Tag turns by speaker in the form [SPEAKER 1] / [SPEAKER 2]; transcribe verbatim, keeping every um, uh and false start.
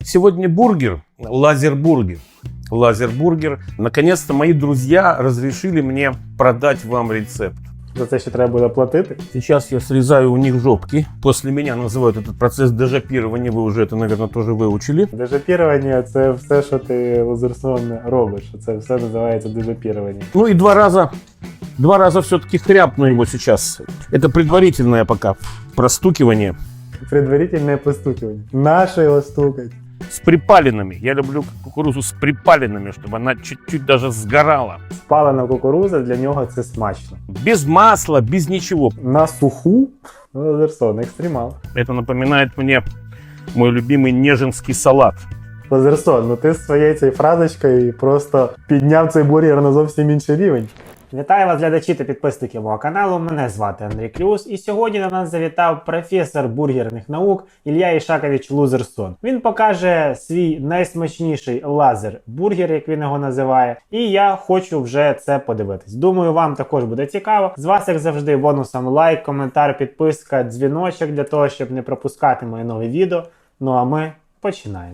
[SPEAKER 1] Сегодня бургер, лазербургер. Лазербургер. Наконец-то мои друзья разрешили мне продать вам рецепт.
[SPEAKER 2] За це ще треба буде платити.
[SPEAKER 1] Сейчас я срезаю у них жопки. После меня называют этот процесс дежапирования. Вы уже это, наверное, тоже выучили.
[SPEAKER 2] Дежапірування – це все, що ти лазерсон робиш. Це все називається дежапірування.
[SPEAKER 1] Ну и два раза, два раза все-таки хряпну его сейчас. Это предварительное пока простукивание.
[SPEAKER 2] Предварительне постукування. Нащо його стукать?
[SPEAKER 1] С припаленными. Я люблю кукурузу с припаленными, чтобы она чуть-чуть даже сгорала.
[SPEAKER 2] Спалена кукуруза для нього це смачно.
[SPEAKER 1] Без масла, без ничего.
[SPEAKER 2] На суху лазерсон, екстремал.
[SPEAKER 1] Это напоминает мне мой любимый нежинский салат.
[SPEAKER 2] Лазерсон, ну ти з своєю цією фразочкою просто підняв цей бургер на зовсім інший рівень. Вітаю вас, глядачі та підписники мого каналу. Мене звати Андрій Клюс, і сьогодні до нас завітав професор бургерних наук Ілля Ішакович Лузерсон. Він покаже свій найсмачніший лазер-бургер, як він його називає, і я хочу вже це подивитись. Думаю, вам також буде цікаво. З вас, як завжди, бонусом лайк, коментар, підписка, дзвіночок для того, щоб не пропускати мої нові відео. Ну а ми починаємо.